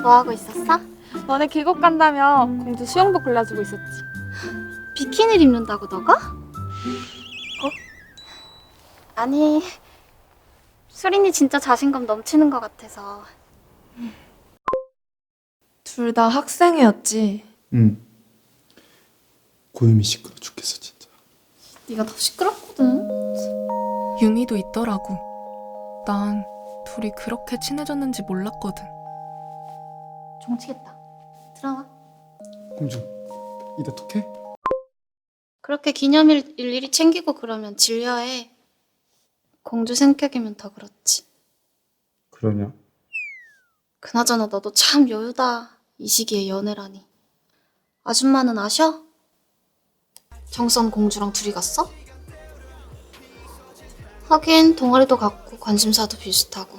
뭐하고 있었어? 너네 계곡 간다며 공주 수영복 골라주고 있었지. 비키니를 입는다고 너가? 어? 아니, 수린이 진짜 자신감 넘치는 것 같아서. 둘 다 학생이었지. 응. 고유미 시끄러 죽겠어 진짜. 네가 더 시끄럽거든. 유미도 있더라고. 난 둘이 그렇게 친해졌는지 몰랐거든. 종치겠다. 들어와. 공주 이따 톡해? 그렇게 기념일 일일이 챙기고 그러면 질려해. 공주 성격이면 더 그렇지. 그러냐? 그나저나 너도 참 여유다. 이 시기에 연애라니. 아줌마는 아셔? 정성 공주랑 둘이 갔어? 하긴 동아리도 같고 관심사도 비슷하고.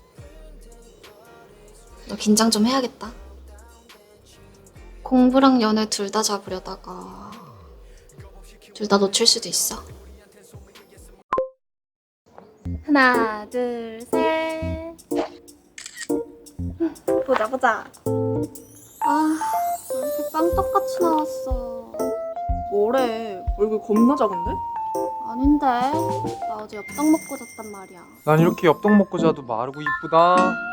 너 긴장 좀 해야겠다. 공부랑 연애 둘 다 잡으려다가 둘 다 놓칠 수도 있어. 하나, 둘, 셋. 보자. 아, 왜 이렇게 빵떡같이 나왔어. 뭐래? 얼굴 겁나 작은데? 아닌데. 나 어제 엽떡 먹고 잤단 말이야. 난 이렇게 엽떡 먹고 자도 마르고 이쁘다.